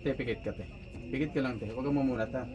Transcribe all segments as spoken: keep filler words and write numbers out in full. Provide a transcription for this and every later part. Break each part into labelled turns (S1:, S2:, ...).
S1: Te, pikit ka, te. Pikit ka lang, te. Huwag kang mamulat, ha.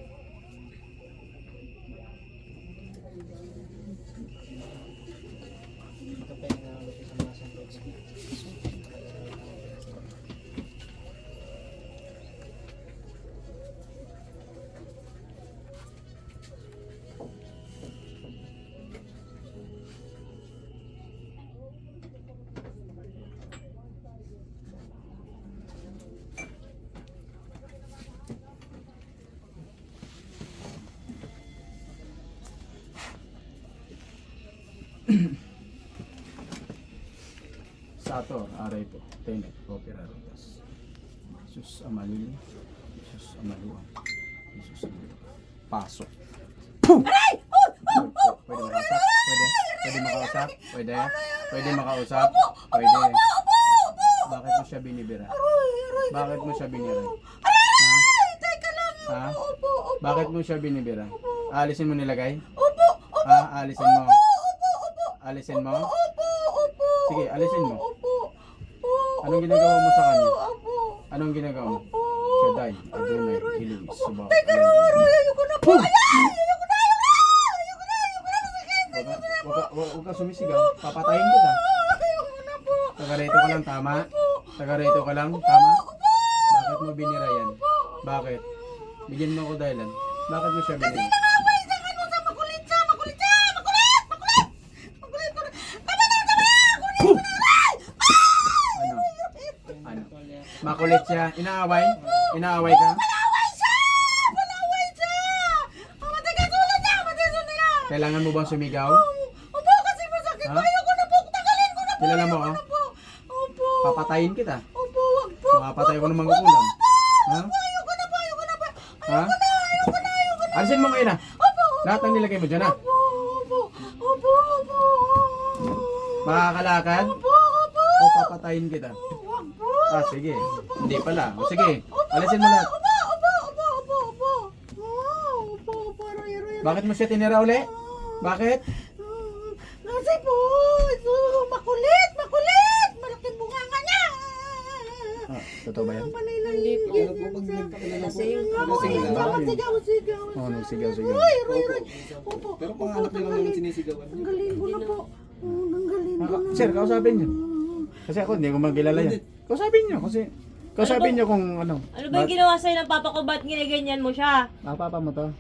S1: Sator, aray po. Tenet, opera rotas. Jesus Amalil. Jesus Amaluan. Jesus Amaluan. Pasok.
S2: Aray! Oh! Oh! Oh!
S1: Pwede makausap? Pwede? Pwede makausap? Pwede? Pwede makausap?
S2: Opo!
S1: Pwede.
S2: Opo! Opo! Opo!
S1: Bakit mo siya binibira?
S2: Aray! Aray!
S1: Bakit mo siya binira?
S2: Aray! Teka lang!
S1: Ha?
S2: Opo! Opo! Opo!
S1: Bakit mo siya binibira? Alisin mo nilagay?
S2: Opo! Opo!
S1: Ha? Alisin mo?
S2: Opo! Opo!
S1: Alisin mo?
S2: Opo! Opo!
S1: Sige, alisin mo.
S2: Opo! Opo!
S1: Anong ginagawa mo sa kanya?
S2: Opo!
S1: Anong ginagawa mo?
S2: Opo!
S1: Shaddai, Adonai, Hiling, Subaw.
S2: Teka lang! Aray! Ayoko na po! Ayan! Ayoko na! Ayoko na! Ayoko na! Ayoko na! Masakit!
S1: Huwag ka, huwag ka, huwag huwag ka sumisigaw. Papatayin kita.
S2: Ayoko na po!
S1: Taga rito ka lang, tama? Taga rito ka lang, tama? Bakit mo binira yan? Bakit? Bigyan mo ako dahilan. Bakit mo siya binira?
S2: Nakaway sa ano sa makulit siya! Makulit siya! Makulit! Makulit! Makulit! Makulit! Tama na! Tama na! Kunin ko na! Aray!
S1: Ano? Ano? Makulit siya. Inaaway? Inaaway ka?
S2: Palaway siya! Palaway siya! Oh, matigas ulo niya! Matigas ulo niya!
S1: Kailangan mo bang sumigaw?
S2: Opo, kasi masakit
S1: Ha?
S2: ko. Ayoko na po. Tanggalin ko na po.
S1: Kilala mo,
S2: Ayoko
S1: ha?
S2: na po. Opo.
S1: Papatayin kita.
S2: Opo, wag po.
S1: Makapatay ko ng mga kulam. Ha?
S2: Ayoko na po. Ayoko na po.
S1: Ha?
S2: Ayoko na. Ayoko na. Ayoko na.
S1: Alisin mo ngayon na.
S2: Opo.
S1: Lahat ng nilagay mo dyan ha.
S2: Opo. Opo. Opo. Opo.
S1: Makakalakad?
S2: Opo. Opo.
S1: O papatayin kita?
S2: Wag po.
S1: Ah, sige. Hindi pala. O sige. Alisin mo lahat.
S2: Opo. Opo. Opo. Opo. Opo. Oh, Opo. Opo. Aray, aray, aray.
S1: Bakit mo siya tinira uli? Bakit?
S2: Mm, Kasi po, ito, makulit, makulit! Malaking bunganga niya!
S1: Ah, totoo ba yan?
S2: Hindi po.
S3: Lasing.
S2: Sigaw, sigaw, sigaw.
S1: Oo, nagsigaw-sigaw.
S2: Ay, aray, aray. Opo,
S3: Pero
S2: opo,
S3: pangarap niyo lang naman
S2: tanggalin.
S3: sinisigawan.
S2: Tanggalin ko na po. Oh, tanggalin ko
S1: Ah,
S2: na.
S1: sir, kausapin niyo. Kasi ako hindi ko magkilala yan. Kausapin niyo kasi kausapin niyo kung ano.
S4: Ano ba yung ginawa sa'yo ng papa ko? Ba't ginaganyan mo siya?
S1: Ah, papa mo to.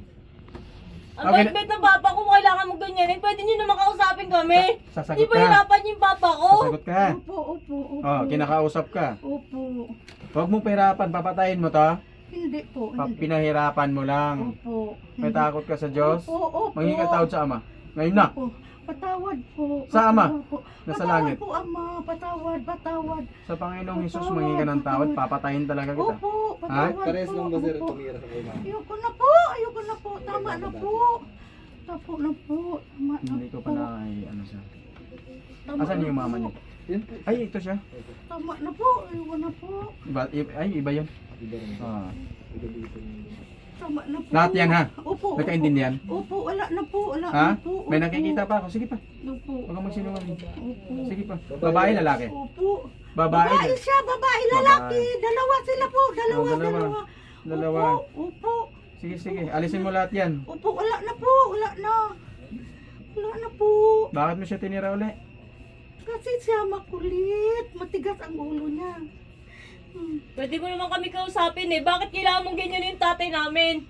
S4: Ang
S1: Okay,
S4: bait-bait ng papa ko, kailangan mo ganyanin. Pwede nyo naman kausapin kami.
S1: Sasagot
S4: Hindi ba
S1: ka.
S4: hirapan yung papa ko?
S1: Sasagot ka.
S2: Opo, opo, opo.
S1: Oh, kinakausap ka.
S2: Opo.
S1: Huwag mo pahirapan, papatayin mo to.
S2: Hindi po,
S1: Pa-
S2: hindi.
S1: Pinahirapan mo lang.
S2: Opo.
S1: May takot ka sa Diyos.
S2: Opo, opo.
S1: Manghingi ka tawad sa Ama. Ngayon na.
S2: Opo. Patawad po.
S1: Sa Ama?
S2: Patawad po.
S1: Nasa
S2: Patawad
S1: langit.
S2: po, Ama. Patawad, patawad.
S1: Sa Panginoong Hesus, manghingi ka ng tawad, papatayin talaga kita.
S2: Opo, patawad
S3: Pares
S2: po.
S3: lang ba sir
S2: Opo.
S3: tumira sa kayo?
S2: Ayoko na po, ayoko na po. Tama na po. Tapo na po. Tama na
S1: Hindi ko
S2: po.
S1: pa na, ay, ano siya.
S2: Tama
S1: Asan
S2: na
S1: yung
S2: po.
S1: mama niya?
S3: Yan po.
S1: Ay, ito siya.
S2: Tama na po, ayoko na po.
S1: Iba, i- ay, iba yun.
S3: Iba rin.
S1: Ah.
S3: Iba dito.
S2: Tama na po.
S1: Lahat yan, ha?
S2: Opo.
S1: Nagkaintindihan?
S2: Opo, opo, wala na po, wala
S1: Ha?
S2: na po.
S1: May
S2: Opo.
S1: nakikita pa ako. Sige pa.
S2: Opo.
S1: Huwag kang magsinungaling.
S2: Opo.
S1: Sige pa. Babae, lalaki.
S2: Opo.
S1: Babae.
S2: Babae siya, babae, lalaki. Dalawa sila po, dalawa,
S1: Oh, dalawa.
S2: dalawa.
S1: Dalawa.
S2: Opo, opo.
S1: Sige, sige. Alisin mo lahat yan.
S2: Opo, wala na po, wala na. Wala na po.
S1: Bakit mo siya tinira uli?
S2: Kasi siya makulit, matigas ang ulo niya. Hmm.
S4: Pwede mo naman kami kausapin eh. Bakit kailangan mong ganyan yung tatay namin?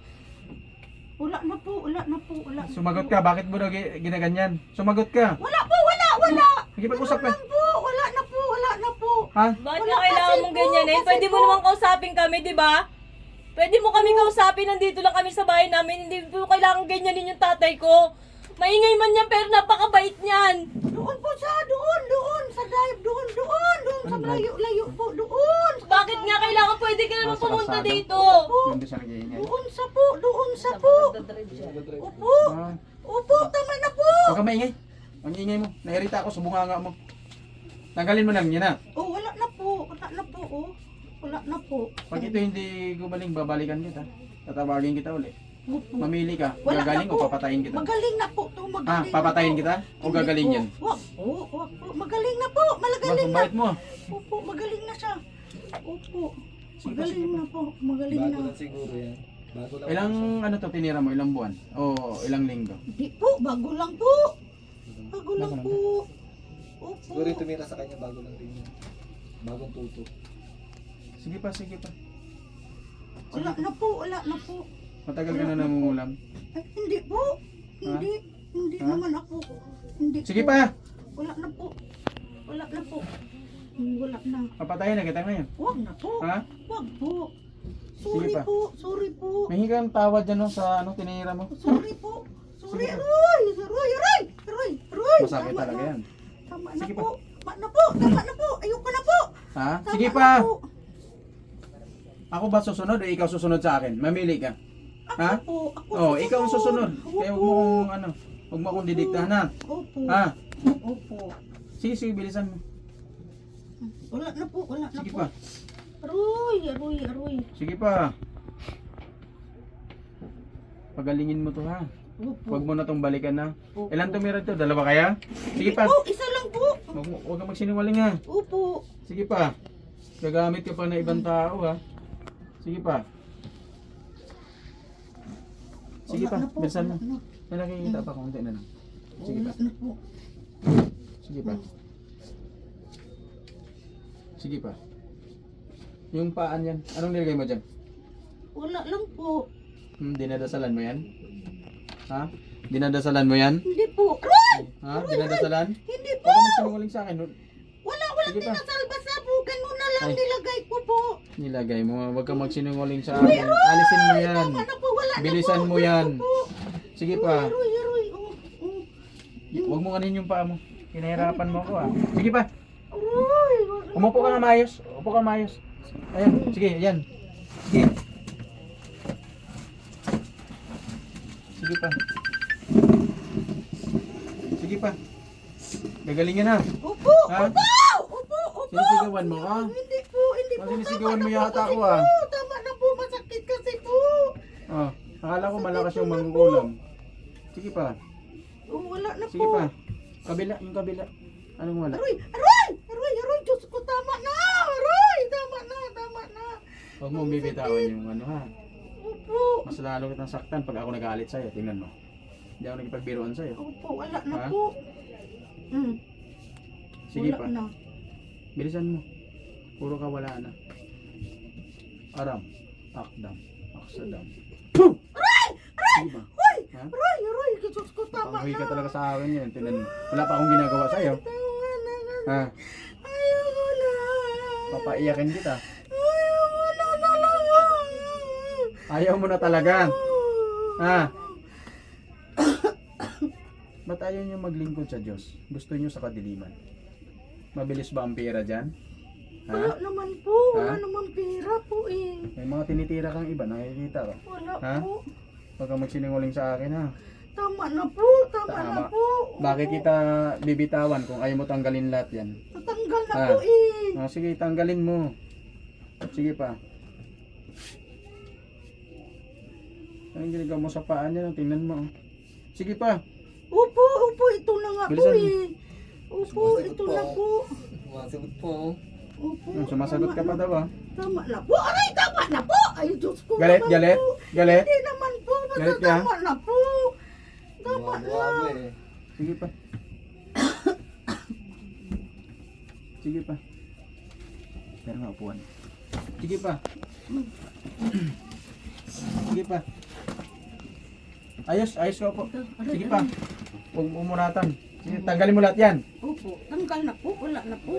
S2: Wala na po, wala na po, wala na
S1: Sumagot
S2: po.
S1: ka. Bakit mo na gi- ginaganyan? Sumagot ka.
S2: Wala po, wala, wala.
S1: Nakipag-usap ka.
S2: Ganun lang po, wala na po, wala na po.
S1: Ha?
S4: Bakit
S2: Wala
S4: nga kailangan
S2: kasi
S4: mong
S2: po,
S4: ganyanin?
S2: kasi
S4: Pwede mo
S2: po.
S4: naman kausapin kami, di ba? Pwede mo kami kausapin, nandito lang kami sa bahay namin. Hindi po kailangan ganyanin yung tatay ko. Maingay man yan, pero napakabait niyan.
S2: Doon po siya, doon, doon, sa drive, doon, doon, doon, sa
S1: Anong drive?
S2: layo-layo po, doon. sa
S4: Bakit nga
S2: kalsada.
S4: kailangan pwede ka
S1: Ah,
S4: naman
S1: sa
S4: pumunta
S1: kalsada.
S4: dito?
S1: Doon ba siya nag-iingay?
S2: Doon sa po, doon sa po. Opo,
S1: Ah.
S2: opo, tama na po.
S1: Huwag ka maingay. Ang ingay mo. Nairita ako sa bunganga mo. Tanggalin mo lang yan ha.
S2: Oh, wala na po, wala na po, oh. Wala na po.
S1: Pag ito hindi gumaling, babalikan kita. Tatawagin kita uli.
S2: Opo.
S1: Mamili ka.
S2: Wala
S1: Gagaling
S2: na
S1: o
S2: po.
S1: papatayin kita.
S2: Magaling na po to,
S1: Ah,
S2: magaling
S1: papatayin
S2: na po.
S1: kita? O
S2: Hindi
S1: gagaling
S2: po.
S1: yan?
S2: Wag po, wag po. Magaling na po,
S1: Mas
S2: magaling na.
S1: mabait mo.
S2: Opo, magaling na siya. Opo.
S1: Sige pa, sige
S2: Magaling
S1: pa.
S2: na po. Magaling
S3: Bago
S2: na.
S3: lang siguro yan. Bago lang.
S1: Ilang ano to tinira mo? Ilang buwan? O ilang linggo?
S2: Hindi po. Bago lang po. Bago lang
S1: Bago lang
S2: po. Opo.
S3: Siguro yung tumira sa kanya bago lang din yan. Bagong tuto.
S1: Sige pa, sige pa.
S2: Wala na po. Wala na po.
S1: Matagal ka na nangungulam.
S2: Ay, hindi po. Hindi. Hindi
S1: Ha?
S2: naman ako. Hindi
S1: Sige
S2: po.
S1: pa!
S2: Wala na po. Wala na po. Hmm, Wala na.
S1: Papatayin na kita ngayon.
S2: Huwag na po.
S1: Ha?
S2: Huwag po. Sorry
S1: Sige pa.
S2: po. Sorry po.
S1: May higang tawad dyan no, sa ano tinira mo.
S2: Sorry po. Sorry.
S1: Sige pa.
S2: Aroy! Aroy! Aroy! Aroy! Aroy!
S1: Masakit
S2: Tama
S1: talaga
S2: na.
S1: yan.
S2: Tama na
S1: Sige
S2: po. Tama na po. Tama na po. Ayoko na po.
S1: Ha?
S2: Tama
S1: Sige
S2: na
S1: pa!
S2: po.
S1: Ako ba susunod o ikaw susunod sa akin? Mamili ka.
S2: Ako
S1: Ha?
S2: po. Ako
S1: Oh, ikaw ang susunod. Kaya huwag mo kong ano, huwag mo akong didiktahan ha.
S2: Opo.
S1: Ha?
S2: Opo.
S1: Sige, sige, bilisan mo.
S2: Wala na po. Wala na
S1: Sige
S2: po.
S1: pa.
S2: Aroy! Aroy! Aroy!
S1: Sige pa. Pagalingin mo to ha.
S2: Opo.
S1: Huwag mo na tong balikan na.
S2: Opo.
S1: Ilan tumira to? Dalawa kaya? Sige pa.
S2: Oh, isa lang po.
S1: Huwag, mo- huwag kang magsinungaling ha.
S2: Opo.
S1: Sige pa. Gagamit ka pa ng ibang tao ha. Sige pa. Sige
S2: Wala
S1: pa,
S2: na po,
S1: bilisan mo.
S2: wala na.
S1: May nakikita pa, konti na lang. Sige pa.
S2: Wala na po.
S1: Sige pa. Sige pa. Yung paan yan, anong nilagay mo dyan?
S2: Wala lang po.
S1: Hmm, dinadasalan mo yan? Ha? Dinadasalan mo yan?
S2: Hindi po. Aroy!
S1: Ha? Dinadasalan?
S2: Hindi po.
S1: Huwag ka magsinungaling sa akin.
S2: Wala, walang
S1: Sige pa.
S2: dinasal. Basta po, ganun na lang
S1: Ay.
S2: nilagay ko po.
S1: Nilagay mo, huwag kang magsinungaling sa akin. Alisin mo yan.
S2: Tama na po, wala
S1: Bilisan
S2: na po.
S1: mo
S2: Gusto
S1: yan.
S2: po.
S1: Sige pa.
S2: Aroy, aroy. Oh, oh.
S1: Huwag mo kanin yung paa mo. Pinahirapan mo ako ah. Sige pa.
S2: Aroy.
S1: Umupo ka nga maayos. Upo ka maayos. Ayan, sige, yan. Sige. Sige pa. Sige pa. Gagalingin na.
S2: Opo,
S1: Ha?
S2: opo, opo, opo.
S1: Sinisigawan mo ka?
S2: Hindi po, hindi po.
S1: Oh, sinisigawan
S2: Tama
S1: mo
S2: na
S1: yata
S2: po
S1: ako,
S2: kasi
S1: ah.
S2: po. Tama na po, masakit kasi po.
S1: Oh, akala ko malakas yung mangkukulam. Sige pa.
S2: Oh, wala na
S1: Sige
S2: po.
S1: pa. Kabila, yung kabila. Anong wala?
S2: Aroy, aroy, aroy, aroy, Diyos ko, tama na. Aroy, tama na, tama na.
S1: Huwag mo bibitawan yung ano ha.
S2: Opo.
S1: Mas lalo kitang saktan pag ako nagalit sa'yo. Tingnan mo. Hindi ako nagpagbiruan sa'yo.
S2: Opo, wala na
S1: Ha?
S2: po. Hmm.
S1: Sige
S2: wala
S1: pa.
S2: na.
S1: Bilisan mo. Puro ka wala na. Aram. Akdam. Aksadam.
S2: Aray! Aray!
S1: Sige ba?
S2: Hoy!
S1: Ha?
S2: Aray! Aray! Diyos ko, tama
S1: Panghuwi
S2: na.
S1: ka talaga sa akin yan. Tingnan mo. Wala pa akong ginagawa sa'yo.
S2: Tama na.
S1: Ha?
S2: Ayoko na.
S1: Papaiyakin kita.
S2: Ayoko na talaga.
S1: Ayaw mo na talaga. Ha? Ba't ayaw nyo maglingkod sa Diyos? Gusto nyo sa kadiliman? Mabilis ba ang pera dyan?
S2: Wala
S1: Ha?
S2: naman po. Wala
S1: Ha?
S2: naman pera po eh.
S1: May mga tinitira kang iba, nakikita ko.
S2: Wala
S1: Ha?
S2: po.
S1: Huwag kang magsinungaling sa akin ha.
S2: Tama na po. Tama,
S1: Tama.
S2: na po.
S1: Bakit kita bibitawan kung ayaw mo tanggalin lahat yan?
S2: Tatanggal na
S1: Ha?
S2: po eh.
S1: Oh, sige, tanggalin mo. Sige pa. Anong ginagawa mo sa paa niya? Tingnan mo. oh. Sige pa.
S2: Opo, opo. Ito na nga po
S1: Bilisan mo.
S2: eh. Opo,
S3: Sumasagot
S2: ito
S3: po.
S2: na po.
S3: Sumasagot po.
S2: Opo.
S1: Hmm, sumasagot ka pa
S2: tama
S1: daw ah.
S2: na. Tama na po. Aray, tama na po. Ay, Diyos ko.
S1: Galit,
S2: naman
S1: galit,
S2: po.
S1: galit.
S2: Hindi naman po. Basta
S1: Galit ka?
S2: tama na po. Tama na.
S3: Gumawa mo eh.
S1: Sige pa. Sige pa. Pero nga upuan. Sige pa. Sige pa. Ayos, ayos ka po. Sige pa. Huwag mo umuratan. Sige, tanggalin mo lahat yan.
S2: Opo, tanggal na po. Wala na po.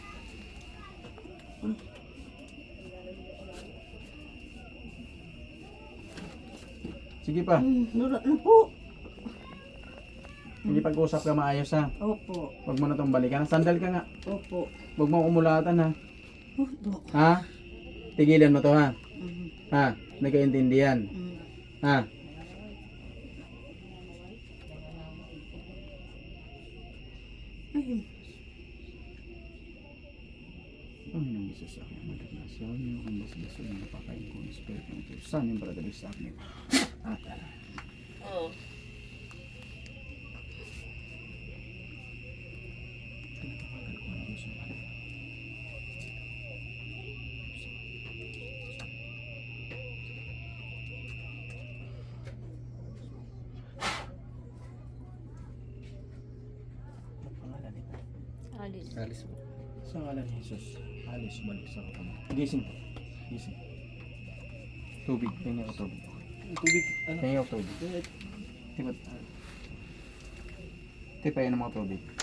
S1: Sige pa.
S2: Hmm, wala na po.
S1: Sige, pag-usap ka maayos ha.
S2: Opo,
S1: Huwag mo na itong balikan. Sandal ka nga.
S2: opo.
S1: Huwag mo umulatan ha.
S2: Opo.
S1: Ha? Tigilan mo to ha.
S2: Mm,
S1: Ha? Nagkaintindihan.
S2: mm.
S1: Ha?
S2: Ayun.
S1: Panginoong Isus sa aking magnasyon, yung ang basbaso ng napakain ko ng Espiritu ng Diyos. Saan yung paradali sa akin? At
S4: Oh.
S1: pinatawagan ko ang Diyos ng alam.
S4: Alis.
S3: Alis mo.
S1: Sa ngalan ni Jesus, alis, balik sa katawan. Gising po. Gising. Tubig. Tingnan ko tubig.
S3: Tubig, ano?
S1: Tingnan ko tubig. Tiba, tipa yan ng mga tubig.